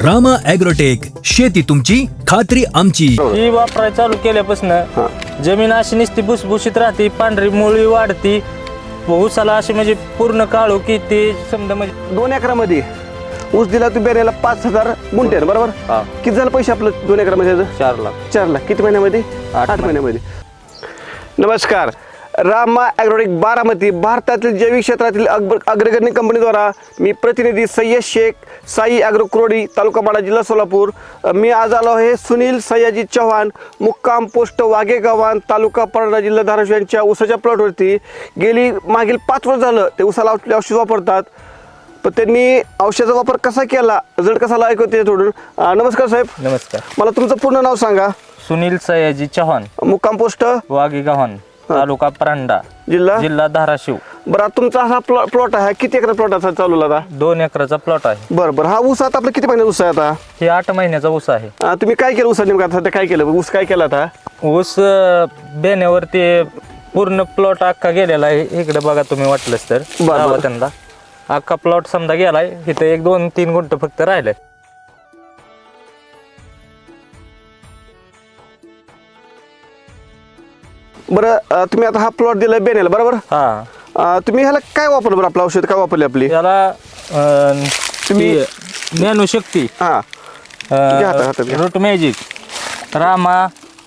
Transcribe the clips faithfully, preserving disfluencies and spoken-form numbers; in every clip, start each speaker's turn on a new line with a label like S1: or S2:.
S1: Rama agrotech, शेती तुमची खात्री आमची.
S2: ही वापरायला चालू केल्यापासून जमीन अशी नुसती भुसभुशीत राहते, पांढरी मुळी वाढती, ऊसाला अशी म्हणजे पूर्ण काळू की ते समजा म्हणजे
S3: दोन एकरामध्ये ऊस दिला तू बेऱ्याला पाच हजार गुंठे आहे, बरोबर.
S2: हा.
S3: किती झालं पैसे आपलं दोन एकरामध्ये याचं?
S2: चार लाख
S3: चार लाख किती महिन्यामध्ये?
S2: आठ
S3: आठ महिन्यामध्ये. नमस्कार. रामा ॲग्रोटेक बारामती, भारतातील जैविक क्षेत्रातील अग्र अग्रगण्य कंपनीद्वारा मी प्रतिनिधी सय्यद शेख, साई ॲग्रो क्रोडी, तालुका माडा, जिल्हा सोलापूर. मी आज आलो आहे सुनील सयाजी चव्हाण, मुक्काम पोस्ट वाघेगावान, तालुका परंडा, जिल्हा धाराशिव यांच्या ऊसाच्या प्लॉटवरती. गेली मागील पाच वर्ष झालं ते ऊसाला औषध औषध वापरतात, पण त्यांनी औषधाचा वापर कसा केला, रिझल्ट कसा आला ऐकू त्याच्याकडून. नमस्कार साहेब.
S2: नमस्कार.
S3: मला तुमचं पूर्ण नाव सांगा.
S2: सुनील सयाजी चव्हाण,
S3: मुक्काम पोस्ट
S2: वाघेगावन, तालुका परांडा,
S3: जिल्हा
S2: जिल्हा धाराशिव.
S3: बरं, आता तुमचा हा प्लॉट प्लॉट आहे, किती एकर प्लॉट असा चालू आता?
S2: दोन एकराचा प्लॉट आहे.
S3: बरं बरं. हा ऊस आता आपला किती महिन्याचा ऊस आहे आता?
S2: हे आठ महिन्याचा ऊस आहे.
S3: अं, तुम्ही काय केलं ऊसा नेमका सध्या काय केलं? ऊस काय केला आता?
S2: ऊस अं, बेण्यावर ते पूर्ण प्लॉट अख्खा गेलेला आहे. इकडे बघा तुम्ही वाटलंच तर
S3: बरं.
S2: दावा त्यांना. अख्खा प्लॉट समजा गेलाय, इथं एक दोन तीन गुंठ फक्त राहिलंय.
S3: बरं, अं, तुम्ही आता हा प्लॉट दिलाय बेनेला, बरोबर.
S2: हा.
S3: अं, तुम्ही ह्याला काय वापरलं बरं? आपलं औषध काय वापरले आपली?
S2: त्याला अं,
S3: तुम्ही-
S2: ती ज्ञानशक्ती,
S3: हा, घ्या हातात, हातात घ्या.
S2: रूट मॅजिक, रामा,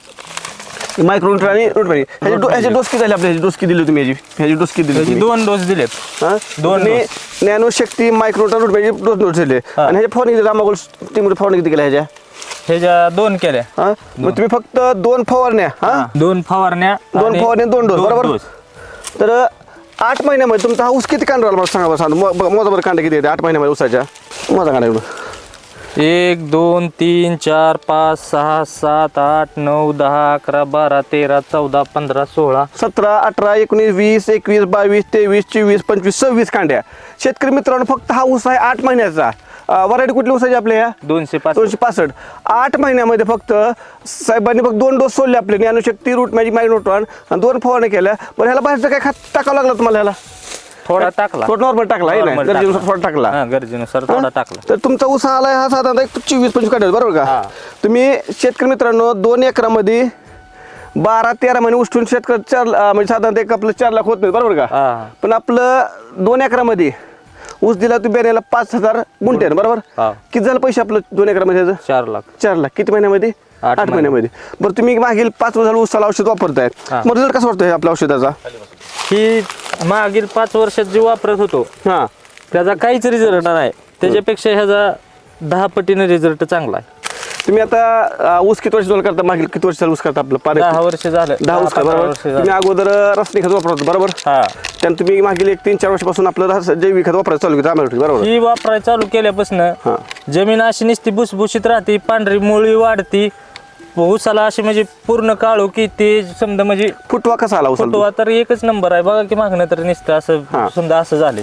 S3: मायक्रोन आणि रूट पाणी ह्याची डो- ह्याची डोस किती झाली आपल्या? ह्याची डोस किती दिली तुम्ही? ह्याची ह्याची डोस किती दिली
S2: त्याचे
S3: तुम्ही?
S2: दोन डोस दिलेत.
S3: हा?
S2: दोन
S3: तुम्ही
S2: डोस.
S3: ज्ञानशक्ती, मायक्रोन, रूट पाणी डोस डोस दिले.
S2: हा.
S3: आणि ह्याच्या फवारणी रामागोल टीम फवारणी किती केल्या ह्याच्या?
S2: ह्याच्या दोन केल्या.
S3: हा, मग तुम्ही फक्त दोन फवारण्या, हा,
S2: दोन फवारण्या,
S3: दोन
S2: आणि
S3: फवारण्या दोन डोस, बरोबर.
S2: डोस.
S3: तर आठ महिन्यामध्ये तुमचा हा ऊस किती कांड राहिला मला सांगा बरं. सांगा मो- मोजा बरं कांडे किती येते आठ महिन्यामध्ये ऊसाच्या? मोजा कांडे एवढं.
S2: एक दोन तीन चार पाच सहा सात आठ नऊ दहा अकरा बारा तेरा चौदा पंधरा सोळा
S3: सतरा, अठरा, एकोणीस, वीस, एकवीस, बावीस, तेवीस, चोवीस, पंचवीस, सव्वीस कांड्या. शेतकरी मित्रांनो, फक्त हा ऊस आहे आठ महिन्याचा. व्हरायटी कुठली ऊसाची आपल्या? ह्या
S2: दोनशे पाच.
S3: दोनशे पासष्ट. आठ महिन्यामध्ये फक्त साहेबांनी फक्त दोन डोस सोडले आपले, ज्ञानशक्ती, रूट मॅजिक, मायक्रोट्रॉन, आणि दोन फवारण्या केल्या. बरं, ह्याला बाहेरचं काय खात टाकावं लागलं तुम्हाला? ह्याला
S2: थोडा टाकला.
S3: थोडं नॉर्मल टाकला आहे ना,
S2: Normal
S3: गरजेनुसार
S2: टाकला.
S3: थोडा टाकला.
S2: हा, गरजेनुसार थोडा टाकला.
S3: तर तुमचा ऊस आलाय हा साधारणतः एक चोवीस पंचवीस काढायचा, बरोबर
S2: हा.
S3: का? तुम्ही शेतकरी मित्रांनो, दोन एकरामध्ये बारा तेरा महिने उष्टून शेतकरी चार अं, म्हणजे साधारणतः एक आपलं चार लाख होत नाही, बरोबर का?
S2: हा.
S3: पण आपलं दोन एकरामध्ये ऊस दिला तू बेऱ्याला पाच हजार गुंठे आहे, बरोबर.
S2: हा.
S3: किती झालं पैसे आपलं दोन एकरामध्ये याचं?
S2: चार लाख.
S3: चार लाख किती महिन्यामध्ये?
S2: आठ
S3: आठ महिन्यामध्ये. बरं, तुम्ही मागील पाच वर्ष झालं ऊसाला औषध वापरताय,
S2: हा.
S3: मग रिझल्ट कसा वाटतोय आपल्या औषधाचा?
S2: ही मागील पाच वर्षात जे वापरत होतो
S3: हा,
S2: त्याचा काहीच रिझल्ट नाही. त्याच्यापेक्षा ह्याचा दहा पटीने रिझल्ट चांगला आहे.
S3: तुम्ही आता अं, ऊस किती वर्ष झालं करता? मागील किती वर्ष झालं ऊस करता आपलं? पार
S2: दहा वर्ष झालं.
S3: दहा ऊस
S2: पंधरा
S3: बरोबर.
S2: वर्ष
S3: तुम्ही
S2: झालं.
S3: अगोदर रासायनिक खत वापरत होता, बरोबर.
S2: हा.
S3: त्यानंतर तुम्ही मागील एक तीन चार वर्षापासून आपलं रास- जैविक खत वापरायचं चालू केलं आम्हाला, बरोबर.
S2: ही वापरायला चालू केल्यापासून
S3: हा.
S2: जमीन अशी नुसती भुसभुशीत राहते, पांढरी मुळी वाढती, ऊसाला अशी म्हणजे पूर्ण काळू की ते समजा म्हणजे
S3: फुटवा कसा आला ऊसाला?
S2: फुटवा तर एकच नंबर आहे. बघा की मागणं तर नुसतं
S3: हा.
S2: असं समजा असं झाले.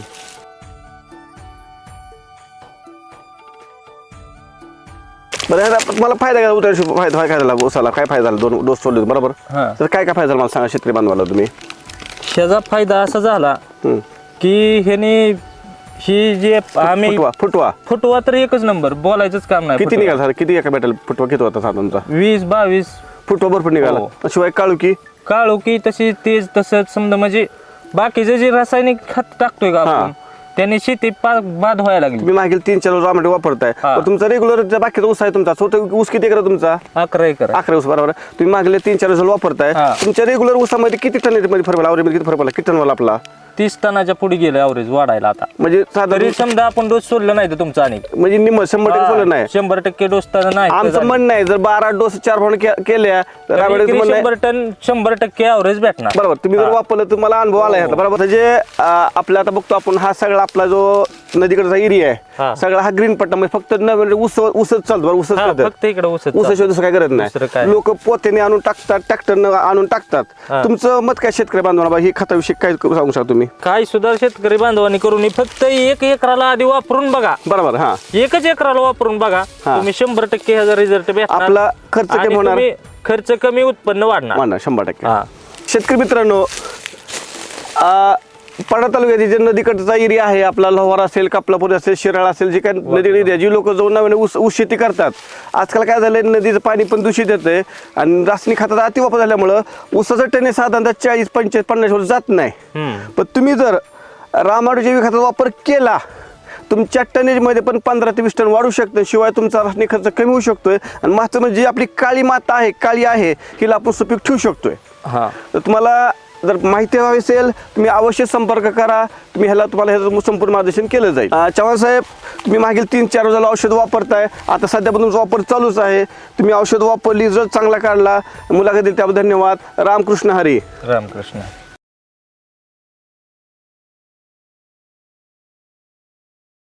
S3: बरं, ह्याचा मला फायदा काय उतर फायदा काय झाला ऊसाला? काय फायदा झाला दोन डोस सोडले, बरोबर.
S2: हा.
S3: तर काय काय फायदा झाला मला सांगा शेतकरी बांधवाला तुम्ही.
S2: ह्याचा फायदा असा झाला
S3: हम्म.
S2: की ह्याने ही जे आम्ही
S3: फुटवा फुटवा
S2: फुटवा तर एकच नंबर, बोलायचंच काम नाही.
S3: किती
S2: फुटवा.
S3: निघाला? किती एका बॅटल फुटवा किती होता साधारणतः?
S2: वीस बावीस
S3: फुटवा भरपूर निघाला.
S2: हो.
S3: शिवाय काळू की
S2: काळू की तशी तेज तसंच समजा म्हणजे बाकीचे जे रासायनिक खत टाकतोय का
S3: हा.
S2: आपण, त्याने शेती पा- बाद व्हायला लागली.
S3: तुम्ही मागील तीन चार रामाटे वापरताय,
S2: हा.
S3: पण तुमचा रेग्युलर बाकीचा ऊस आहे तुमचा स्वतः ऊस किती एकर आहे तुमचा?
S2: अकरा एकर आहे.
S3: अकरा ऊस, बरोबर. तुम्ही मागले तीन चार वर्ष वापरताय,
S2: हा.
S3: तुमच्या रेग्युलर ऊसामध्ये किती टन मध्ये फरक पडला? आवरेज किती फरक पडला? किती टन वाला आपला?
S2: तीस टनाच्या पुढे गेलं ॲव्हरेज वाढायला आता.
S3: म्हणजे साधारण
S2: तरी समजा आपण डोस सोडलं नाही तर तुमचं आणि
S3: म्हणजे निम्म शंभर टक्के सोडलं नाही.
S2: शंभर टक्के डोस तर नाही.
S3: आमचं म्हणणं आहे, जर बारा डोस चार फवारणी के- केल्या तर रामाटेचं
S2: एकरी
S3: म्हणणं आहे,
S2: शंभर टन शंभर टक्के ॲव्हरेज भेटणार.
S3: बरोबर. तुम्ही जर वापरलं तुम्हाला अनुभव आला ह्याचा, बरोबर. म्हणजे अं, आपला आता बघतो आपण हा सगळा आपला जो नदीकडचा एरिया आहे,
S2: हा.
S3: सगळा हा ग्रीन पट्टा म्हणजे फक्त नवीन ऊस ऊसच चालतो, बरोबर. ऊसच
S2: हा,
S3: चालतं.
S2: फक्त इकडे ऊसच
S3: ऊसाशिवाय
S2: चालतं.
S3: दुसरं काय करत
S2: दुसरं काय?
S3: नाही. लोक पोत्याने आणून टाकतात, ट्रॅक्टरनं आणून टाकतात.
S2: हा.
S3: तुमचं मत काय शेतकरी बांधवांना ही खताविषयी काय सांगू शकता तुम्ही?
S2: काय सुद्धा शेतकरी बांधवांनी करून फक्त एक एकराला आधी वापरून बघा.
S3: बरोबर. हा,
S2: एकच एकराला वापरून बघा,
S3: हा.
S2: तुम्ही शंभर टक्के ह्याचा रिझल्ट भेटणार.
S3: आपला खर्च
S2: आणि
S3: कमी होणार.
S2: तुम्ही खर्च कमी उत्पन्न वाढणार.
S3: वाढणार शंभर टक्के.
S2: हा.
S3: शेतकरी मित्रांनो, अं, पाडा तालुक्यातील जे नदीकडचा एरिया आहे आपला लोहार असेल कापलापूर असेल शिराळा असेल जे काही नदी एरिया जी लोक जाऊन नव्याने ऊस ऊस शेती करतात. आजकाल काय झालंय नदीचं पाणी पण दूषित येतंय आणि रासायनिक खताचा अतिवापर झाल्यामुळं ऊसाचं टन हे साधारणतः चाळीस पंचेचाळीस पन्नास वर जात नाही. पण तुम्ही जर रामायण जैविक खताचा वापर केला तुमच्या टनेजमध्ये पण पंधरा ते वीस टन वाढू शकतं. शिवाय तुमचा रासायनिक खर्च कमी होऊ शकतोय आणि महत्त्वाचं म्हणजे आपली काळी माता आहे काळी आहे हिला आपण सुपीक ठेवू शकतोय.
S2: हां
S3: तर तुम्हाला जर माहिती हवी असेल तुम्ही अवश्य संपर्क करा. तुम्ही ह्याला तुम्हाला ह्याचं संपूर्ण मार्गदर्शन केलं जाईल. अं, चव्हाण साहेब तुम्ही मागील तीन चार रोजाला औषध वापरताय आता सध्या पण तुमचा वापर चालूच आहे. तुम्ही औषध वापरली रिझल्ट चांगला काढला मुलाखत दिली त्याबद्दल धन्यवाद. रामकृष्ण हरी.
S2: रामकृष्ण.